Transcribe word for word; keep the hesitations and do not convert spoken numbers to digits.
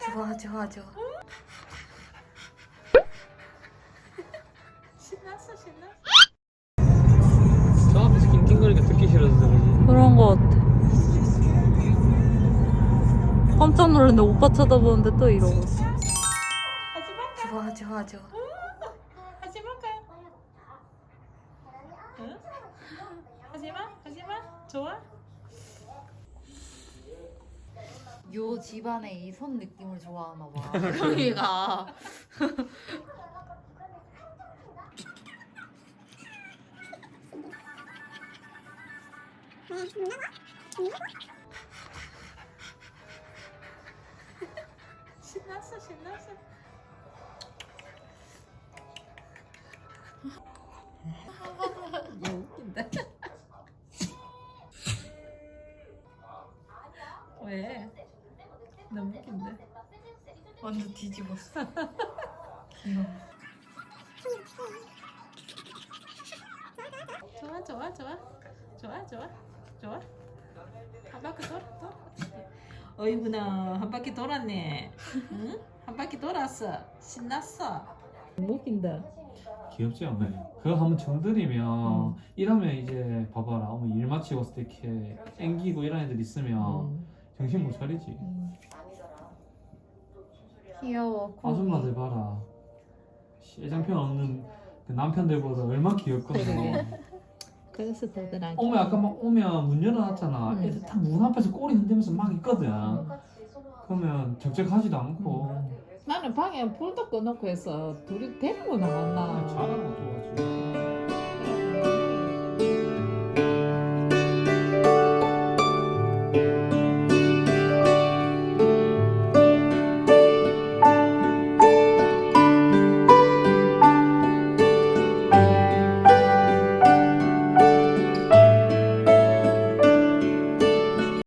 좋아 좋아 좋아. 신났어 신났어. 저 앞에서 낑낑거리니까 듣기 싫어서 그러지. 그런 거 같아. 깜짝 놀랐는데 오빠 쳐다보는데 또 이러고. 하지 말까? 좋아 좋아 좋아. 하지 말까? 응? 하지 마 하지 마. 좋아? 요 집안의 이 손 느낌을 좋아하나 봐. 그러니까. 신났어 신났어. 얘 웃긴다. 왜? 너무 웃긴데. 완전 뒤집었어. 귀여워. 좋아 좋아 좋아 좋아 좋아 좋아. 한 바퀴 돌아 돌아. 어이구나 한 바퀴 돌았네. 응? 한 바퀴 돌았어. 신났어. 너무 웃긴다. 귀엽지 어머니? 그거 한번 정들이면 이러면 이제 봐봐라 어머 일 마치고 왔을 때 이렇게 앵기고 이런 애들 있으면 음. 정신 못 차리지. 음. 귀여워. 아줌마들 봐라 애장편 없는 그 남편들보다 얼마나 귀엽거든. 그러게. 그래서 더들 안. 어머 아까 막 오면 문 열어놨잖아. 음. 애들 다 문 앞에서 꼬리 흔들면서 막 있거든. 그러면 적적하지도 않고 나는 방에 불도 꺼놓고 해서 둘이 데리고 나왔나. 잘하고 또 가지.